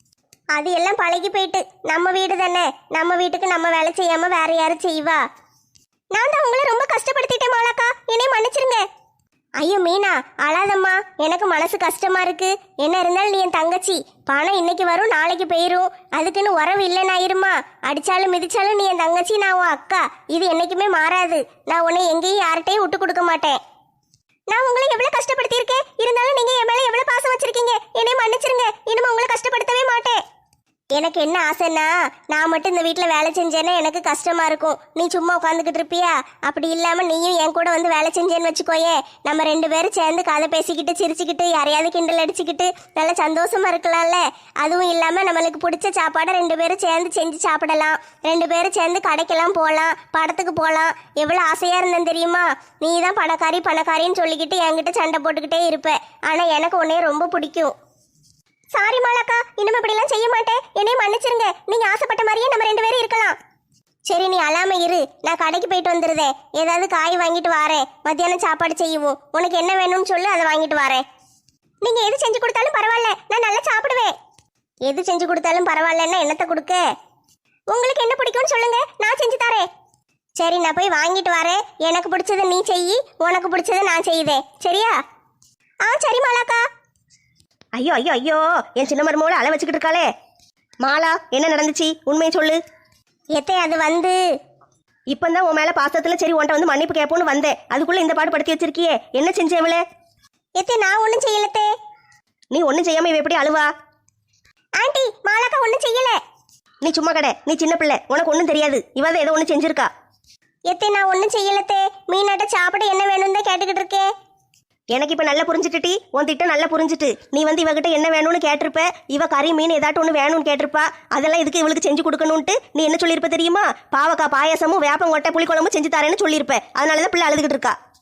Speaker 1: அது எல்லாம் பழகி போயிட்டு. நம்ம வீடு தானே, நம்ம வீட்டுக்கு நம்ம வேலை செய்யாம வேற யாரும் செய்வா? நான் தான் உங்களை ரொம்ப கஷ்டப்படுத்திட்டேன் மாலாக்கா, என்னை மன்னிச்சிருங்க. ஐயோ மீனா, அழாதம்மா, எனக்கு மனசு கஷ்டமா இருக்கு. என்ன இருந்தாலும் நீ என் தங்கச்சி. பணம் இன்னைக்கு வரும், நாளைக்கு போயிரும், அதுக்குன்னு உறவு இல்லைன்னு ஆயிருமா? அடிச்சாலும் மிதிச்சாலும் நீ என் தங்கச்சி, நான் உன் அக்கா. இது என்னைக்குமே மாறாது. நான் உன்னை எங்கேயும் யார்கிட்டையும் விட்டு கொடுக்க மாட்டேன். நான் உங்களை எவ்வளவு கஷ்டப்படுத்தியிருக்கேன், இருந்தாலும் நீங்க என் மேல எவ்வளவு பாசம் வச்சிருக்கீங்க. என்னை மன்னிச்சிருங்க, இனிமே உங்களை கஷ்டப்படுத்தவே மாட்டேன். எனக்கு என்ன ஆசைன்னா, நான் மட்டும் இந்த வீட்டில் வேலை செஞ்சேன்னா எனக்கு கஷ்டமா இருக்கும். நீ சும்மா உட்காந்துக்கிட்டு இருப்பியா? அப்படி இல்லாம நீயும் என் கூட வந்து வேலை செஞ்சேன்னு வச்சுக்கோயே, நம்ம ரெண்டு பேரும் சேர்ந்து கதை பேசிக்கிட்டு சிரிச்சுக்கிட்டு யாரையாவது கிண்டல் அடிச்சுக்கிட்டு நல்லா சந்தோஷமா இருக்கலாம்ல. அதுவும் இல்லாம நம்மளுக்கு பிடிச்ச சாப்பாடை ரெண்டு பேரும் சேர்ந்து செஞ்சு சாப்பிடலாம், ரெண்டு பேரும் சேர்ந்து கடைக்கெல்லாம் போகலாம், படத்துக்கு போகலாம். எவ்வளோ ஆசையா இருந்தேன் தெரியுமா? நீ தான் பணக்காரி பணக்காரின்னு சொல்லிக்கிட்டு என்கிட்ட சண்டை போட்டுக்கிட்டே இருப்ப, ஆனா எனக்கு உன்னைய ரொம்ப பிடிக்கும். சாரி மாலாக்கா, இனிமே இப்படிலாம் செய்ய மாட்டேன், என்னைய மன்னிச்சிருங்க. நீங்க ஆசைப்பட்ட மாதிரியே நம்ம ரெண்டு பேரும் இருக்கலாம். சரி, நீ அழாம இரு, நான் கடைக்கு போயிட்டு வந்துருதேன். ஏதாவது காய் வாங்கிட்டு வாரேன், மத்தியானம் சாப்பாடு செய்வோம். உனக்கு என்ன வேணும்னு சொல்லு, அதை வாங்கிட்டு வாரேன். நீங்க எது செஞ்சு கொடுத்தாலும் பரவாயில்ல, நான் நல்லா சாப்பிடுவேன். எது செஞ்சு கொடுத்தாலும் பரவாயில்லன்னா என்னத்தை கொடுக்க? உங்களுக்கு என்ன பிடிக்கும்னு சொல்லுங்க, நான் செஞ்சு தரேன். சரி, நான் போய் வாங்கிட்டு வரேன். எனக்கு பிடிச்சதை நீ செய், உனக்கு பிடிச்சதை நான் செய்தேன். சரியா? ஆ சரி மாலாக்கா.
Speaker 5: ஐயோ ஐயோ ஐயோ, என் சின்ன மருமோளை அழ வச்சுக்கிட்டு இருக்காளே. மாலா, என்ன நடந்துச்சு? உண்மையை சொல்லு.
Speaker 1: எத்தே, அது வந்து
Speaker 5: இப்பந்தான் உன் மேல பாசத்துல சரி உன்ட்ட வந்து மன்னிப்பு கேட்போன்னு வந்தேன், அதுக்குள்ள இந்த பாடு படுத்தி வச்சிருக்கியே. என்ன செஞ்ச இவளே?
Speaker 1: எத்தே, நான் ஒன்றும் செய்யலத்தே.
Speaker 5: நீ ஒன்னும் செய்யாம இவ எப்படி அழுவா?
Speaker 1: ஆண்டி, மாலாக்கா ஒன்றும் செய்யல.
Speaker 5: நீ சும்மா கடை, நீ சின்ன பிள்ளை, உனக்கு ஒன்றும் தெரியாது. இவதான் ஏதோ ஒன்று செஞ்சிருக்கா.
Speaker 1: எத்தே, நான் ஒன்றும் செய்யலத்தே. மீனாட்ட சாப்பிட என்ன வேணும்னு தான் கேட்டுக்கிட்டு இருக்கேன்.
Speaker 5: எனக்கு இப்ப நல்லா புரிஞ்சுட்டுட்டி, உன் திட்டம் நல்லா புரிஞ்சுட்டு. நீ வந்து இவகிட்ட என்ன வேணும்னு கேட்டிருப்ப, இவ கறி மீன் ஏதாட்டும் ஒன்று வேணும்னு கேட்டிருப்பா. அதெல்லாம் இதுக்கு இவளுக்கு செஞ்சு கொடுக்கணும்ட்டு நீ என்ன சொல்லியிருப்ப தெரியுமா? பாவக்காய் பாயாசமும் வேப்பங்கொட்டை புளிக்குழம்பும் செஞ்சு தரேன்னு சொல்லியிருப்ப. அதனாலதான் பிள்ளை அழுதுகிட்டு இருக்கா.